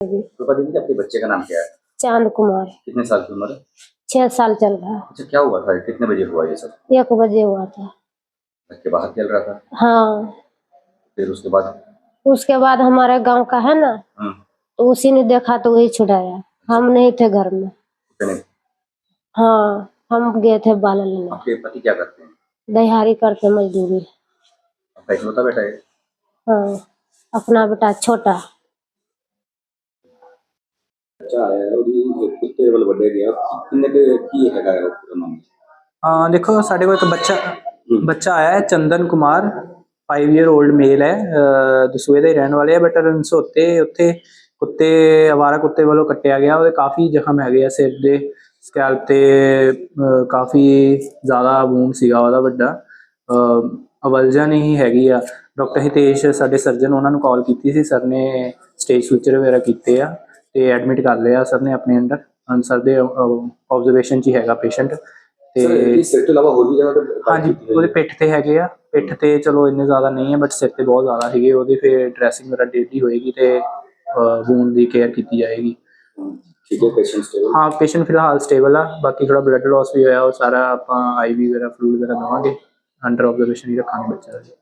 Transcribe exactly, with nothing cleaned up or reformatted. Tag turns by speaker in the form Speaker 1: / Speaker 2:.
Speaker 1: तो पता नहीं कि आपके बच्चे का नाम क्या है?
Speaker 2: चांद कुमार।
Speaker 1: कितने साल की उम्र है?
Speaker 2: छह साल चल रहा है।
Speaker 1: अच्छा, क्या हुआ था? कितने बजे हुआ ये सब?
Speaker 2: एक बजे हुआ था।
Speaker 1: घर के बाहर खेल रहा था?
Speaker 2: हाँ।
Speaker 1: फिर उसके बाद?
Speaker 2: उसके बाद हमारे गांव का है ना,
Speaker 1: हम्म।
Speaker 2: तो उसी ने देखा तो वही छुड़ाया। हम नहीं थे घर में।
Speaker 1: कितने?
Speaker 2: हाँ, हम गए थे बाल लेने।
Speaker 1: आपके पति क्या करते हैं?
Speaker 2: दिहाड़ी करते मजदूरी।
Speaker 1: आपका इकलौता बेटा है?
Speaker 2: हाँ, अपना बेटा छोटा।
Speaker 1: अच्छा है, ਉਹਦੀ ਕੁੱਤੇ ਵੱਲ ਵੱਢਿਆ ਗਿਆ। ਕਿੰਨੇ ਕੁ ਕੀ ਹੈਗਾ ਹੈ ਉਹ ਪੂਰਾ ਮਾਮਲਾ?
Speaker 3: हाँ देखो साढ़े को एक बच्चा बच्चा आया है Chandan Kumar five year old male है अ, दसूਏ ਦੇ ਰਹਿਣ ਵਾਲੇ ਆ ਬਟ ਰਣਸੋਤੇ ਉੱਥੇ ਕੁੱਤੇ ਅਵਾਰਾ ਕੁੱਤੇ ਵੱਲੋਂ ਕੱਟਿਆ ਗਿਆ ਉਹਦੇ ਕਾਫੀ ਜ਼ਖਮ ਹੈਗੇ ਆ ਸਿਰ ਦੇ ਸਕੈਲਪ ਤੇ ਅ, ਕਾਫੀ ਜ਼ਿਆਦਾ ਵੂਨ ਸੀਗਾ ਉਹਦਾ ਵੱਡਾ ਅਵਲਜਨ ਹੀ ਹੈਗੀ ਆ ਡਾਕਟਰ ਹਿਤੇਸ਼ ਸਾਡੇ ਸਰਜਨ ਉਹਨਾਂ ਨੂੰ ਕਾਲ ਕੀਤੀ ਸੀ ਸਰ ਨੇ ਸਟੇਜ ਸੂਚਰ ਵਗੈਰਾ ਕੀਤੇ ਆ ਤੇ ਐਡਮਿਟ ਕਰ ਲਿਆ ਸਰ ਨੇ ਆਪਣੇ ਅੰਡਰ ਸਰ ਦੇ ਆਬਜ਼ਰਵੇਸ਼ਨ 'ਚ ਹੀ ਹੈਗਾ ਪੇਸ਼ੈਂਟ ਤੇ
Speaker 1: ਇਸ ਤੋਂ ਇਲਾਵਾ ਹੋਰ ਵੀ ਜਗ੍ਹਾ ਤੇ?
Speaker 3: ਹਾਂਜੀ ਉਹਦੇ ਪਿੱਠ ਤੇ ਹੈਗੇ ਆ ਪਿੱਠ ਤੇ ਚਲੋ ਇੰਨੇ ਜ਼ਿਆਦਾ ਨਹੀਂ ਹੈ ਬਟ ਸਿਰ ਤੇ ਬਹੁਤ ਜ਼ਿਆਦਾ ਹੈਗੇ ਉਹਦੀ ਫਿਰ ਡਰੈਸਿੰਗ ਵਗੈਰਾ ਡੇਲੀ ਹੋਏਗੀ ਤੇ ਵੂਨ ਦੀ ਕੇਅਰ ਕੀਤੀ ਜਾਏਗੀ।
Speaker 1: ਠੀਕ ਹੈ, ਪੇਸ਼ੈਂਟ ਸਟੇਬਲ?
Speaker 3: ਹਾਂ ਪੇਸ਼ੈਂਟ ਫਿਲਹਾਲ ਸਟੇਬਲ ਆ ਬਾਕੀ ਥੋੜਾ ਬਲੱਡ ਲਾਸ ਵੀ ਹੋਇਆ ਉਹ ਸਾਰਾ ਆਪਾਂ ਆਈ ਵੀ ਵਗੈਰਾ ਫਲੂਇਡ ਵਗੈਰਾ ਦੇਵਾਂਗੇ ਅੰਡਰ ਆਬਜ਼ਰਵੇਸ਼ਨ ਹੀ ਰੱਖਾਂਗੇ ਬੱਚਾ।